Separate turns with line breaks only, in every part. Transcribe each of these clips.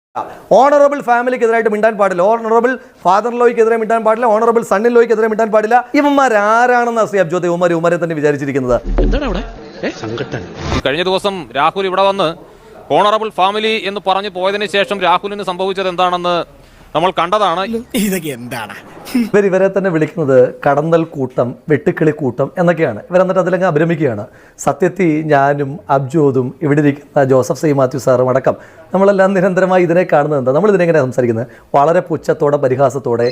Honourable ഫാമിലിക്കെതിരായിട്ട് മിണ്ടാൻ പാടില്ല, honourable father ലോയ്ക്കെതിരെ മിണ്ടാൻ പാടില്ല, ഓണറബിൾ സണ്ണിൻ ലോയ്ക്കെതിരെ മിണ്ടാൻ പാടില്ല. ഇവന്മാർ ആരാണെന്ന് ശ്രീ അബ്ജോദ് ഉമ്മരെ തന്നെ വിചാരിച്ചിരിക്കുന്നത്.
കഴിഞ്ഞ ദിവസം രാഹുൽ ഇവിടെ വന്ന് ഓണറബിൾ ഫാമിലി എന്ന് പറഞ്ഞു പോയതിനു ശേഷം രാഹുലിന് സംഭവിച്ചത് എന്താണെന്ന് നമ്മൾ കണ്ടതാണ്.
ഇതൊക്കെ എന്താണ്
ഇവരെ തന്നെ വിളിക്കുന്നത് കടന്നൽ കൂട്ടം, വെട്ടുക്കിളി കൂട്ടം എന്നൊക്കെയാണ്. ഇവരെന്നിട്ട് അതിലങ്ങ് അഭിരമിക്കുകയാണ്. സത്യത്തിൽ ഞാനും അബ്ജോദും ഇവിടെ ഇരിക്കുന്ന ജോസഫ് സി മാത്യു സാറും അടക്കം നമ്മളെല്ലാം നിരന്തരമായി ഇതിനെ കാണുന്നത് എന്താ? നമ്മൾ ഇതിനെങ്ങനെ സംസാരിക്കുന്നത്? വളരെ പുച്ഛത്തോടെ, പരിഹാസത്തോടെ.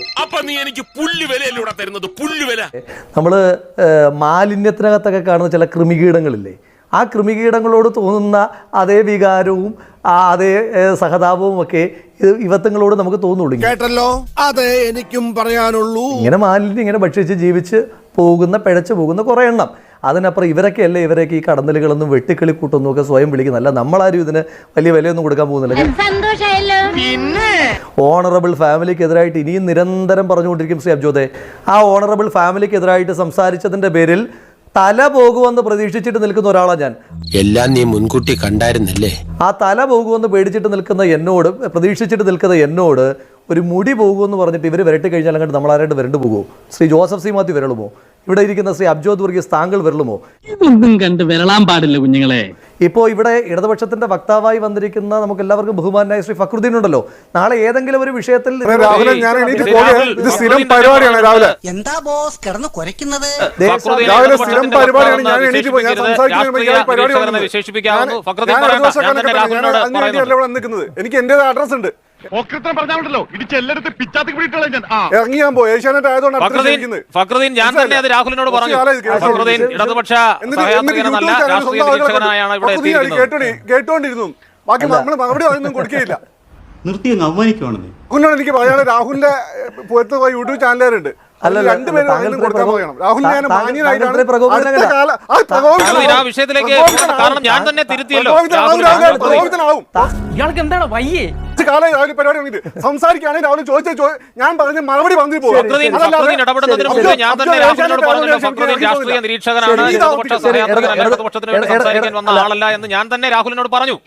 നമ്മൾ മാലിന്യത്തിനകത്തൊക്കെ കാണുന്ന ചില കൃമികീടങ്ങളില്ലേ, ആ കൃമികീടങ്ങളോട് തോന്നുന്ന അതേ വികാരവും അതേ സഹതാപവും ഒക്കെ ഇവത്തങ്ങളോട് നമുക്ക് തോന്നുള്ളൂ.
കേട്ടല്ലോ, അതെ എനിക്കും പറയാനുള്ളൂ.
ഇങ്ങനെ മാലിന്യം ഇങ്ങനെ ഭക്ഷിച്ച് ജീവിച്ച് പോകുന്ന, പിഴച്ചു പോകുന്ന കുറേ എണ്ണം. അതിനപ്പുറം ഇവരൊക്കെയല്ലേ ഈ കടന്നലുകളൊന്നും വെട്ടിക്കിളി കൂട്ടൊന്നും ഒക്കെ സ്വയം വിളിക്കുന്നല്ല. നമ്മളാരും ഇതിന് വലിയ വിലയൊന്നും കൊടുക്കാൻ പോകുന്നില്ല. ഓണറബിൾ ഫാമിലിക്കെതിരായിട്ട് ഇനിയും നിരന്തരം പറഞ്ഞുകൊണ്ടിരിക്കും ശ്രീ അബ്ജോദെ. ആ ഓണറബിൾ ഫാമിലിക്കെതിരായിട്ട് സംസാരിച്ചതിന്റെ പേരിൽ തല പോകുമെന്ന് പ്രതീക്ഷിച്ചിട്ട് നിൽക്കുന്ന ഒരാളാണ് ഞാൻ.
എല്ലാം നീ മുൻകൂട്ടി കണ്ടായിരുന്നല്ലേ?
ആ തല പോകുമെന്ന് പേടിച്ചിട്ട് നിൽക്കുന്ന എന്നോട്, പ്രതീക്ഷിച്ചിട്ട് നിൽക്കുന്ന എന്നോട് ഒരു മുടി പോകുമെന്ന് പറഞ്ഞിട്ട് ഇവർ വരട്ടി കഴിഞ്ഞാൽ അങ്ങോട്ട് നമ്മളാരായിട്ട് വരണ്ടു പോകുമോ? ശ്രീ ജോസഫ് സി മാത്യു വിരളുമോ? ഇവിടെ ഇരിക്കുന്ന ശ്രീ അബ്ജോദ് വർഗീസ് താങ്കൾ വിരളുമോ?
ഇതൊന്നും കണ്ട് വിരളാൻ പാടില്ല കുഞ്ഞുങ്ങളെ.
ഇപ്പോൾ ഇവിടെ ഇടതുപക്ഷത്തിന്റെ വക്താവായി വന്നിരിക്കുന്ന നമുക്ക് എല്ലാവർക്കും ബഹുമാനായ ശ്രീ ഫക്രുദ്ദീൻ ഉണ്ടല്ലോ. നാളെ ഏതെങ്കിലും ഒരു വിഷയത്തിൽ
എന്താ ബോസ് കിടന്ന് കുരയ്ക്കുന്നത്?
എനിക്ക് എന്റെ അഡ്രസ് ഉണ്ട്.
ഫക്രുദ്ദീൻ ഞാൻ തന്നെ അത് രാഹുലിനോട് പറഞ്ഞു. ഫക്രുദ്ദീൻ ഇടതുപക്ഷ
കേട്ടോണ്ടിരുന്നു. ബാക്കി നമ്മൾ മറുപടി ഒന്നും കൊടുക്കുകയില്ല.
നിർത്തി അവമാനിക്കുവാണെന്ന്
എനിക്ക് പറയാനുള്ള രാഹുലിന്റെ പുറത്ത് യൂട്യൂബ് ചാനലുകാരുണ്ട്.
വിഷയത്തിലേക്ക് ഞാൻ തന്നെ തിരുത്തിയല്ലോ.
ഇയാൾക്ക് എന്താണ് വയ്യേ?
പരിപാടി സംസാരിക്കുകയാണെങ്കിൽ രാഹുൽ ചോദിച്ച ഞാൻ പറഞ്ഞ മറുപടി പറഞ്ഞു പോകും.
ഇടപെടുന്നതിന് മുമ്പ് ഞാൻ തന്നെ രാഹുലിനോട് പറഞ്ഞല്ലോ, ഫക്രുദ്ദീൻ രാഷ്ട്രീയ നിരീക്ഷകനാണ്, ഇടതുപക്ഷ ഇടതുപക്ഷത്തിന് വേണ്ടി സംസാരിക്കാൻ വന്ന ആളല്ല എന്ന് ഞാൻ തന്നെ രാഹുലിനോട് പറഞ്ഞു.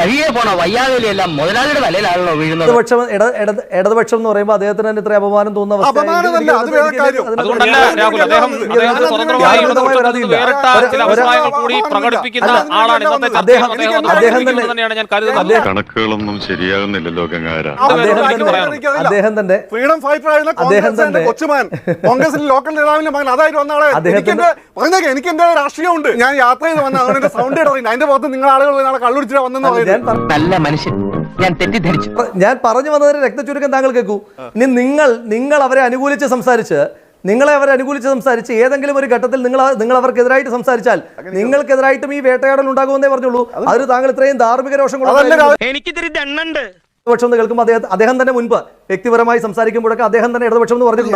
ഇടതുപക്ഷം എന്ന് പറയുമ്പോൾ അദ്ദേഹത്തിന് തന്നെ ഇത്ര അപമാനം തോന്നുന്ന
അതുകൊണ്ടല്ല രാഹുൽ, അദ്ദേഹം സ്വതന്ത്രമായി വേറിട്ട ചില അഭിപ്രായങ്ങൾ കൂടി പ്രകടിപ്പിക്കുന്ന ആളാണ്. തന്നെയാണ് ഞാൻ കരുതുന്നത്.
കണക്കുകളൊന്നും ശരിയാകുന്നില്ലല്ലോ.
അദ്ദേഹം തന്നെ
ഫ്രീഡം ഫൈറ്റർ ആയിരുന്ന കൊച്ചുമാൻ, കോൺഗ്രസിന്റെ ലോക്കൽ നേതാവിന്റെ മകൻ, അതായിട്ട് വന്ന ആളെ എനിക്ക് എന്റെ രാഷ്ട്രീയമുണ്ട്. ഞാൻ യാത്ര ചെയ്ത് വന്ന അവന്റെ സൗണ്ട് ഇടറിയില്ല. അതിന്റെ പുറത്ത് നിങ്ങൾ ആളുകൾ നാളെ കള്ളുടിച്ചിട്ട് വന്നെന്ന് പറയുന്നത്
നല്ല മനുഷ്യൻ, ഞാൻ തെറ്റിദ്ധരിച്ചു.
ഞാൻ പറഞ്ഞു വന്നതിന് രക്തചുരുക്കം താങ്കൾ കേൾക്കൂ. ഇനി നിങ്ങൾ അവരെ അനുകൂലിച്ച് സംസാരിച്ച് ഏതെങ്കിലും ഒരു ഘട്ടത്തിൽ നിങ്ങൾ അവർക്കെതിരായിട്ട് സംസാരിച്ചാൽ നിങ്ങൾക്കെതിരായിട്ടും ഈ വേട്ടയാടൽ ഉണ്ടാകുമെന്നേ പറഞ്ഞുള്ളൂ. അതിന് താങ്കൾ ഇത്രയും ധാർമ്മിക രോഷം ഇടതുപക്ഷം എന്ന് കേൾക്കുമ്പോൾ അദ്ദേഹം തന്നെ മുൻപ് വ്യക്തിപരമായി സംസാരിക്കുമ്പോഴൊക്കെ അദ്ദേഹം തന്നെ ഇടതുപക്ഷം എന്ന് പറഞ്ഞിട്ടുണ്ട്.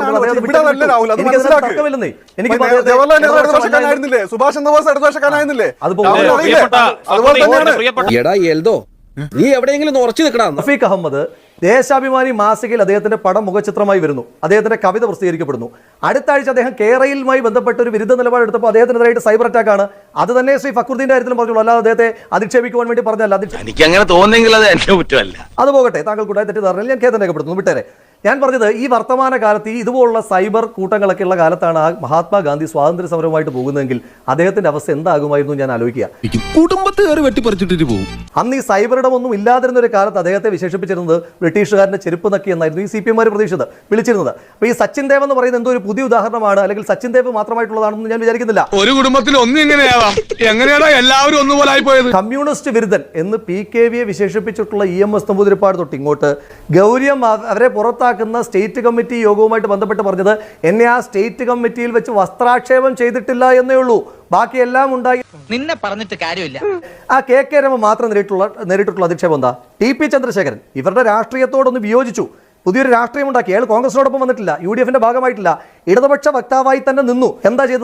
നീ എവിടെയെങ്കിലും ഉറച്ചു നിൽക്കണം.
റഫീഖ് അഹമ്മദ് ദേശാഭിമാനി മാസികയിൽ അദ്ദേഹത്തിന്റെ പടം മുഖചിത്രമായി വരുന്നു, അദ്ദേഹത്തിന്റെ കവിത പ്രസിദ്ധീകരിക്കപ്പെടുന്നു. അടുത്ത ആഴ്ച അദ്ദേഹം കേരളയുമായി ബന്ധപ്പെട്ട ഒരു വിരുദ്ധ നിലപാടെടുത്തപ്പോൾ അദ്ദേഹത്തിനെതിരായിട്ട് സൈബർ അറ്റാക്ക് ആണ്. അത് തന്നെ ശ്രീ ഫക്രുദ്ദീന്റെ കാര്യത്തിലും പറഞ്ഞുള്ളൂ, അല്ലാതെ അദ്ദേഹത്തെ അധിക്ഷേപിക്കുവാൻ വേണ്ടി പറഞ്ഞല്ല. അത് പോകട്ടെ, താങ്കൾ കൂട്ടായി തെറ്റിദ്ധാരണയിൽ ഞാൻ ഖേദം രേഖപ്പെടുത്തുന്നു, വിട്ടേരെ. ഞാൻ പറഞ്ഞത് ഈ വർത്തമാന കാലത്ത് ഈ ഇതുപോലുള്ള സൈബർ കൂട്ടങ്ങളൊക്കെ ഉള്ള കാലത്താണ് ആ മഹാത്മാഗാന്ധി സ്വാതന്ത്ര്യ സമരവുമായിട്ട് പോകുന്നതെങ്കിൽ അദ്ദേഹത്തിന്റെ അവസ്ഥ എന്താകുമായിരുന്നു ഞാൻ ആലോചിക്കുക. അന്ന് ഈ സൈബർ ഇടമൊന്നും ഇല്ലാതിരുന്ന ഒരു കാലത്ത് അദ്ദേഹത്തെ വിശേഷിപ്പിച്ചിരുന്നത് ബ്രിട്ടീഷുകാരന്റെ ചെരുപ്പ് നക്കി എന്നായിരുന്നു ഈ CPM വിളിച്ചിരുന്നത്. അപ്പൊ ഈ സച്ചിൻ ദേവ് എന്ന് പറയുന്നത് എന്തോ ഒരു പുതിയ ഉദാഹരണമാണ്, അല്ലെങ്കിൽ സച്ചിൻ ദേവ് മാത്രമായിട്ടുള്ളതാണെന്ന് ഞാൻ വിചാരിക്കുന്നില്ല.
ഒരു കുടുംബത്തിൽ എങ്ങനെയാണ് എല്ലാവരും ഒന്നുപോലെ പോയത്?
കമ്മ്യൂണിസ്റ്റ് വിരുദ്ധൻ എന്ന് PKVയെ വിശേഷിപ്പിച്ചിട്ടുള്ള EMS നമ്പൂതിരിപ്പാട് തൊട്ട് ഇങ്ങോട്ട് ഗൗരിയം അവരെ പുറത്താക്കുന്ന സ്റ്റേറ്റ് കമ്മിറ്റി യോഗവുമായിട്ട് ബന്ധപ്പെട്ട് പറഞ്ഞത് എന്നെ ആ സ്റ്റേറ്റ് കമ്മിറ്റിയിൽ വെച്ച് വസ്ത്രാക്ഷേപം ചെയ്തിട്ടില്ല എന്നേ ഉള്ളൂ, ബാക്കിയെല്ലാം ഉണ്ടായി.
നിന്നെ പറഞ്ഞിട്ട് കാര്യമില്ല.
ആ KK രമ മാത്രം നേരിട്ടുള്ള അധിക്ഷേപം എന്താ? TP ചന്ദ്രശേഖരൻ ഇവരുടെ രാഷ്ട്രീയത്തോടൊന്ന് വിയോജിച്ചു, പുതിയൊരു രാഷ്ട്രീയം ഉണ്ടാക്കി. അയാൾ കോൺഗ്രസിനോടൊപ്പം വന്നിട്ടില്ല, UDFന്റെ ഭാഗമായിട്ടില്ല, ഇടതുപക്ഷ വക്താവായി തന്നെ നിന്നു. എന്താ ചെയ്തത്?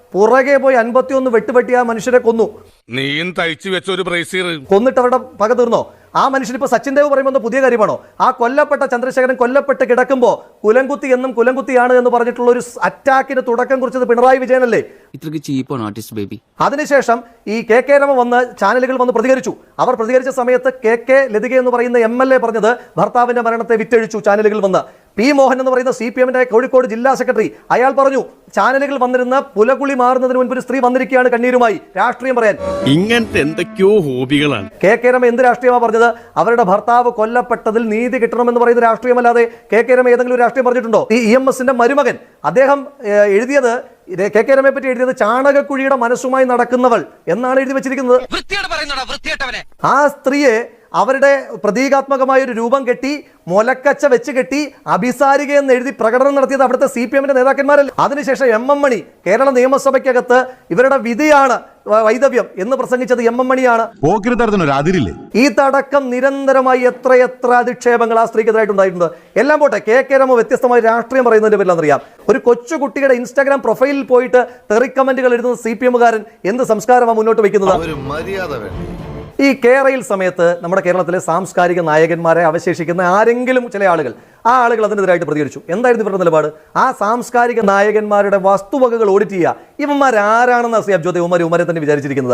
പുറകെ പോയി 51 വെട്ടുപെട്ടി ആ മനുഷ്യരെ കൊന്നു.
നീയും തയ്ച്ചു വെച്ച ഒരു ബ്രേസീർ
കൊന്നിട്ട് അവരുടെ പക തീർന്നോ? ആ മനുഷ്യൻ ഇപ്പൊ സച്ചിൻ ദേവ് പറയുമ്പോൾ പുതിയ കാര്യമാണോ? ആ കൊല്ലപ്പെട്ട ചന്ദ്രശേഖരൻ കൊല്ലപ്പെട്ട് കിടക്കുമ്പോൾ കുലംകുത്തി എന്നും കുലംകുത്തിയാണ് എന്ന് പറഞ്ഞിട്ടുള്ള ഒരു അറ്റാക്കിന് തുടക്കം കുറിച്ചത് പിണറായി വിജയനല്ലേ?
ഇത്രക്ക് ചീപ്പാണ് ആർട്ടിസ്റ്റ് ബേബി.
അതിനുശേഷം ഈ കെ രമ വന്ന് ചാനലുകൾ വന്ന് പ്രതികരിച്ചു. അവർ പ്രതികരിച്ച സമയത്ത് കെ ലതിക എന്ന് പറയുന്ന MLA പറഞ്ഞത് ഭർത്താവിന്റെ മരണത്തെ വിറ്റഴിച്ചു. ചാനലുകൾ വന്ന് പി മോഹൻ എന്ന് പറയുന്ന CPM-ന്റെ കോഴിക്കോട് ജില്ലാ സെക്രട്ടറി അയാൾ പറഞ്ഞു ചാനലുകൾ വന്നിരുന്ന പുലകുളി മാറുന്നതിന് മുൻപ് ഒരു സ്ത്രീ വന്നിരിക്കുകയാണ് കണ്ണീരുമായി രാഷ്ട്രീയം പറയാൻ.
ഇങ്ങനത്തെ എന്തൊക്കെയോ ഹോബികളാണ്.
കെ രമ എന്ത് രാഷ്ട്രീയമാണ് പറഞ്ഞത്? അവരുടെ ഭർത്താവ് കൊല്ലപ്പെട്ടതിൽ നീതി കിട്ടണമെന്ന് പറയുന്ന രാഷ്ട്രീയമല്ലാതെ കെ രമ ഏതെങ്കിലും ഒരു രാഷ്ട്രീയം പറഞ്ഞിട്ടുണ്ടോ? ഈ EMS-ന്റെ മരുമകൻ അദ്ദേഹം എഴുതിയത് കെ രമയെ പറ്റി എഴുതിയത് ചാണകക്കുഴിയുടെ മനസ്സുമായി നടക്കുന്നവൾ എന്നാണ് എഴുതി വെച്ചിരിക്കുന്നത്. ആ സ്ത്രീയെ അവരുടെ പ്രതീകാത്മകമായ ഒരു രൂപം കെട്ടി മുലക്കച്ച വെച്ച് കെട്ടി അഭിസാരിക എന്ന് എഴുതി പ്രകടനം നടത്തിയത് അവിടുത്തെ CPM-ന്റെ നേതാക്കന്മാരല്ല. അതിനുശേഷം MM മണി കേരള നിയമസഭയ്ക്കകത്ത് ഇവരുടെ വിധിയാണ് വൈദവ്യം എന്ന് പ്രസംഗിച്ചത് MM മണിയാണ്. ഈ തടക്കം നിരന്തരമായി എത്രയെത്ര അധിക്ഷേപങ്ങൾ ആ സ്ത്രീക്കെതിരായിട്ടുണ്ടായിട്ടുണ്ട്. എല്ലാം പോട്ടെ, കെ രമ വ്യത്യസ്തമായ രാഷ്ട്രീയം പറയുന്നതിന്റെ പേരിലാണെന്നറിയാം. ഒരു കൊച്ചുകുട്ടിയുടെ ഇൻസ്റ്റാഗ്രാം പ്രൊഫൈലിൽ പോയിട്ട് തെറി കമന്റുകൾ എഴുതുന്ന CPM-കാരൻ എന്ത് സംസ്കാരമാണ് മുന്നോട്ട് വയ്ക്കുന്നത്? ഈ കേരയിൽ സമയത്ത് നമ്മുടെ കേരളത്തിലെ സാംസ്കാരിക നായകന്മാരെ അവശേഷിക്കുന്ന ആരെങ്കിലും ചില ആളുകൾ ആ ആളുകൾ അതിനെതിരായിട്ട് പ്രതികരിച്ചു. എന്തായിരുന്നു ഇവരുടെ നിലപാട്? ആ സാംസ്കാരിക നായകന്മാരുടെ വസ്തുവകകൾ ഓഡിറ്റ് ചെയ്യുക. ഇവന്മാരാരാണെന്ന് ശ്രീ അബ്ജോദ് ഉമരെ തന്നെ വിചാരിച്ചിരിക്കുന്നത്?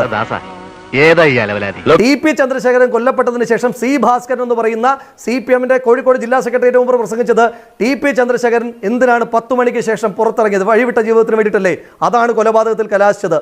ടി പി ചന്ദ്രശേഖരൻ കൊല്ലപ്പെട്ടതിന് ശേഷം C ഭാസ്കരൻ എന്ന് പറയുന്ന CPM-ന്റെ കോഴിക്കോട് ജില്ലാ സെക്രട്ടറിയേറ്റ് മുമ്പ് പ്രസംഗിച്ചത് TP ചന്ദ്രശേഖരൻ എന്തിനാണ് 10 മണിക്ക് ശേഷം പുറത്തിറങ്ങിയത്? വഴിവിട്ട ജീവിതത്തിന് വേണ്ടിയിട്ടല്ലേ? അതാണ് കൊലപാതകത്തിൽ കലാശിച്ചത്.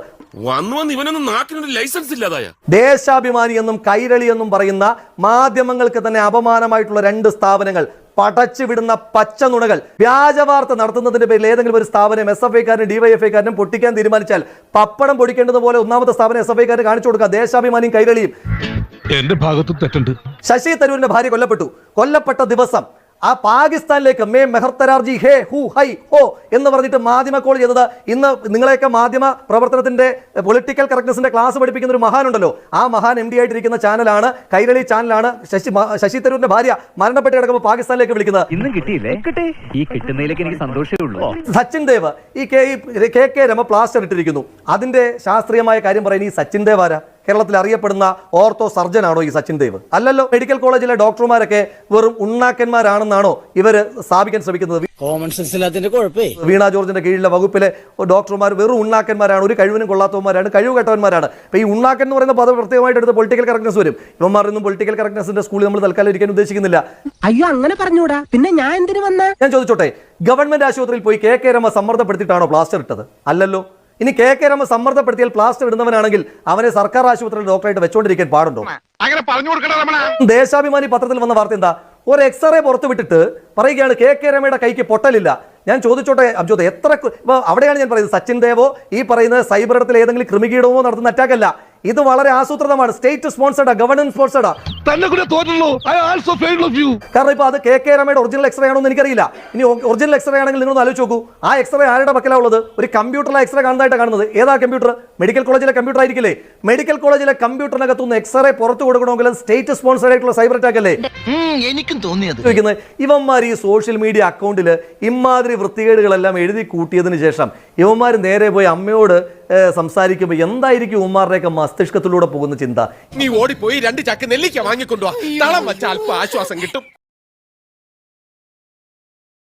ദേശാഭിമാനി എന്നും കൈരളി എന്നും പറയുന്ന മാധ്യമങ്ങൾക്ക് തന്നെ അപമാനമായിട്ടുള്ള 2 സ്ഥാപനങ്ങൾ പടച്ചു വിടുന്ന പച്ച നുണകൾ, വ്യാജവാർത്ത നടത്തുന്നതിന്റെ പേരിൽ ഏതെങ്കിലും ഒരു സ്ഥാപനം SFI-കാരനും DYFI-കാരനും പൊട്ടിക്കാൻ തീരുമാനിച്ചാൽ പപ്പടം പൊടിക്കേണ്ടതുപോലെ ഒന്നാമത്തെ സ്ഥാപനം SFI-കാരന് കാണിച്ചു കൊടുക്കുക. ദേശാഭിമാനിയും കൈരളിയും.
എന്റെ ഭാഗത്ത് തെറ്റുണ്ട്.
ശശി തരൂരിന്റെ ഭാര്യ കൊല്ലപ്പെട്ട ദിവസം ആ പാകിസ്ഥാനിലേക്ക് മേ മെഹർത്തരാർജി ഹേ ഹു ഹൈ ഹോ എന്ന് പറഞ്ഞിട്ട് മാധ്യമ കോൾ ചെയ്തത് ഇന്ന് നിങ്ങളെയൊക്കെ മാധ്യമ പ്രവർത്തനത്തിന്റെ പൊളിറ്റിക്കൽ കറക്റ്റ്നസിന്റെ ക്ലാസ് പഠിപ്പിക്കുന്ന ഒരു മഹാനുണ്ടല്ലോ, ആ മഹാൻ MD ആയിട്ടിരിക്കുന്ന ചാനലാണ് കൈരളി ചാനലാണ്. ശശി തരൂരിന്റെ ഭാര്യ മരണപ്പെട്ട് കിടക്കുമ്പോൾ പാകിസ്ഥാനിലേക്ക് വിളിക്കുന്നത്.
ഇന്നും കിട്ടിയില്ലേ? ഈ കിട്ടുന്നതിലേക്ക് എനിക്ക് സന്തോഷമേ ഉള്ളൂ.
സച്ചിൻ ദേവ് ഈ കെ രമ പ്ലാസ്റ്റർ ഇട്ടിരിക്കുന്നു. അതിന്റെ ശാസ്ത്രീയമായ കാര്യം പറയുന്നത് ഈ സച്ചിൻ ദേവ് ആരാ? കേരളത്തിൽ അറിയപ്പെടുന്ന ഓർത്തോ സർജനാണോ ഈ സച്ചിൻ ദേവ്? അല്ലല്ലോ. മെഡിക്കൽ കോളേജിലെ ഡോക്ടർമാരൊക്കെ വെറും ഉണ്ണാക്കന്മാരാണെന്നാണോ ഇവർ സ്ഥാപിക്കാൻ ശ്രമിക്കുന്നത്?
Common sense ഇല്ലാത്തതിന്റെ കുഴപ്പേ.
വീണ ജോർജിന്റെ കീഴിലെ വകുപ്പിലെ ഡോക്ടർമാർ വെറും ഉണ്ണാക്കന്മാരാണ്, ഒരു കഴിവിനും കൊള്ളാത്തവന്മാരാണ്, കഴിവ് കെട്ടവന്മാരാണ്. അപ്പൊ ഈ ഉണ്ണാക്കൻ എന്ന് പറയുന്ന പദം പ്രത്യേകമായിട്ട് എടുത്ത് പൊളിറ്റിക്കൽ കറക്റ്റ്നസ് വരും. ഇവന്മാരൊന്നും പൊളിറ്റിക്കൽ കറക്റ്റ്നസിന്റെ സ്കൂളിൽ നമ്മൾ തൽക്കാലം ഇരിക്കാൻ ഉദ്ദേശിക്കുന്നില്ല.
അയ്യോ, അങ്ങനെ പറഞ്ഞൂടാ. പിന്നെ ഞാൻ എന്തിനു വന്ന?
ഞാൻ ചോദിച്ചോട്ടെ, ഗവൺമെന്റ് ആശുപത്രിയിൽ പോയി കെ രമ സമ്മർദ്ദപ്പെടുത്തിയിട്ടാണോ പ്ലാസ്റ്റർ ഇട്ടത്? അല്ലല്ലോ. ഇനി കെ രമ സമ്മർദ്ദപ്പെടുത്തിയാൽ പ്ലാസ്റ്റർ ഇടുന്നവനാണെങ്കിൽ അവനെ സർക്കാർ ആശുപത്രിയിൽ ഡോക്ടറായിട്ട് വെച്ചോണ്ടിരിക്കാൻ പാടുണ്ടോ? ദേശാഭിമാനി പത്രത്തിൽ വന്ന വാർത്ത എന്താ? ഒരു എക്സ്റേ പുറത്തു വിട്ടിട്ട് പറയുകയാണ് കെ രമയുടെ കൈക്ക് പൊട്ടലില്ല. ഞാൻ ചോദിച്ചോട്ടെ അബ്ജോദ്, അവിടെയാണ് ഞാൻ പറയുന്നത് സച്ചിൻ ദേവോ ഈ പറയുന്നത് സൈബർ ഇടത്തിൽ ഏതെങ്കിലും ക്രിമികീടമോ നടത്തുന്ന അറ്റാക്കല്ല. ഇത് വളരെ ആസൂത്രിതമാണ്. State സ്പോൺസർഡാ, government സ്പോൺസർഡാ. കാരണം ഇപ്പൊ അത് കെ രമയുടെ ഒറിജിനൽ എക്സ്റേ ആണോ എന്ന് എനിക്കറിയില്ല. ഇനി ഒറിജിനൽ എക്സ്റേ ആണെങ്കിൽ നിങ്ങൾ ആലോചിച്ച് നോക്കൂ, ആ എക്സ്റേ ആരുടെ പക്കലാ ഉള്ളത്? ഒരു കമ്പ്യൂട്ടറിലെ എക്സ്റേ കാണുന്നതായിട്ട് കാണുന്നത്. ഏതാ കമ്പ്യൂട്ടർ? മെഡിക്കൽ കോളേജിലെ കമ്പ്യൂട്ടർ ആയിരിക്കില്ലേ? മെഡിക്കൽ കോളേജിലെ കമ്പ്യൂട്ടറിനകത്തുനിന്ന് എക്സ്റേ പുറത്തു കൊടുക്കണമെങ്കിൽ സ്റ്റേറ്റ് സ്പോൺസർഡ് ആയിട്ടുള്ള സൈബർ അറ്റാക്ക് അല്ലേ?
എനിക്കും തോന്നിയത്.
ഇവന്മാർ ഈ സോഷ്യൽ മീഡിയ അക്കൗണ്ടിൽ ഇമാതിരി വൃത്തികേടുകളെല്ലാം എഴുതി കൂട്ടിയതിനു ശേഷം ഇവന്മാർ നേരെ പോയി അമ്മയോട് സംസാരിക്കുമ്പോൾ എന്തായിരിക്കും ഉമ്മാരുടെയൊക്കെ മസ്തിഷ്കത്തിലൂടെ പോകുന്ന ചിന്ത?
നീ ഓടിപ്പോയി 2 ചാക്ക് നെല്ലിക്ക വാങ്ങിക്കൊണ്ടുവാ, തളം വച്ച അല്പ ആശ്വാസം കിട്ടും.